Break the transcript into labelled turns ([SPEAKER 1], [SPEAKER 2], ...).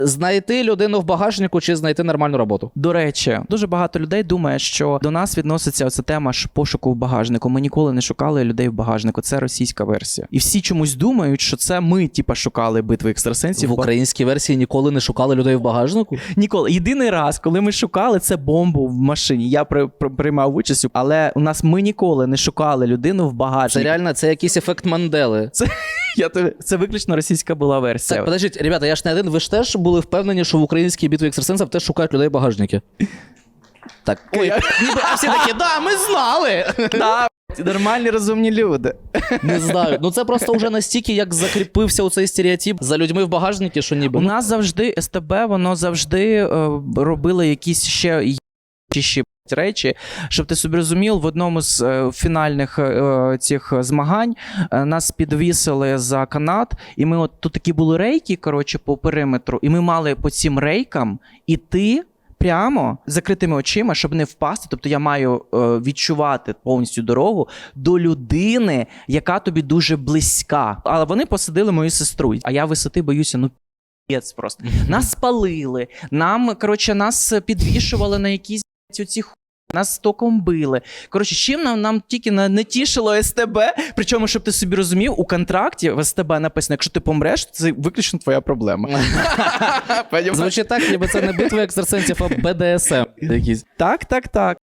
[SPEAKER 1] Знайти людину в багажнику чи знайти нормальну роботу?
[SPEAKER 2] До речі, дуже багато людей думає, що до нас відноситься оця тема пошуку в багажнику. Ми ніколи не шукали людей в багажнику. Це російська версія. І всі чомусь думають, що це ми, шукали битви екстрасенсів.
[SPEAKER 1] В українській версії ніколи не шукали людей в багажнику?
[SPEAKER 2] Ніколи. Єдиний раз, коли ми шукали, це бомбу в машині. Я приймав участь, але ми ніколи не шукали людину в багажнику.
[SPEAKER 1] Це реально, це якийсь ефект Мандели.
[SPEAKER 2] Це виключно російська була версія.
[SPEAKER 1] Так, подождіть, ребята, я ж не один, ви ж теж були впевнені, що в українській битві екстрасенсів теж шукають людей в багажники? Так, ой, ніби, а всі такі, да, ми знали!
[SPEAKER 2] Да, нормальні, розумні люди.
[SPEAKER 1] Не знаю, ну це просто вже настільки, як закріпився оцей стереотип за людьми в багажнику, що ніби...
[SPEAKER 2] У нас завжди СТБ, воно завжди робило якісь ще речі, щоб ти собі розумів, в одному з фінальних цих змагань нас підвісили за канат, і ми тут такі були рейки, по периметру, і ми мали по цим рейкам іти прямо з закритими очима, щоб не впасти. Тобто я маю відчувати повністю дорогу до людини, яка тобі дуже близька. Але вони посадили мою сестру, а я висоти боюся, п'єць просто. Нас спалили, нас підвішували на якісь оці нас током били. Чим нам тільки не тішило СТБ, причому, щоб ти собі розумів, у контракті в СТБ написано, якщо ти помреш, це виключно твоя проблема.
[SPEAKER 1] Звучить так, ніби це не битва екстрасенсів, а БДСМ якийсь.
[SPEAKER 2] Так.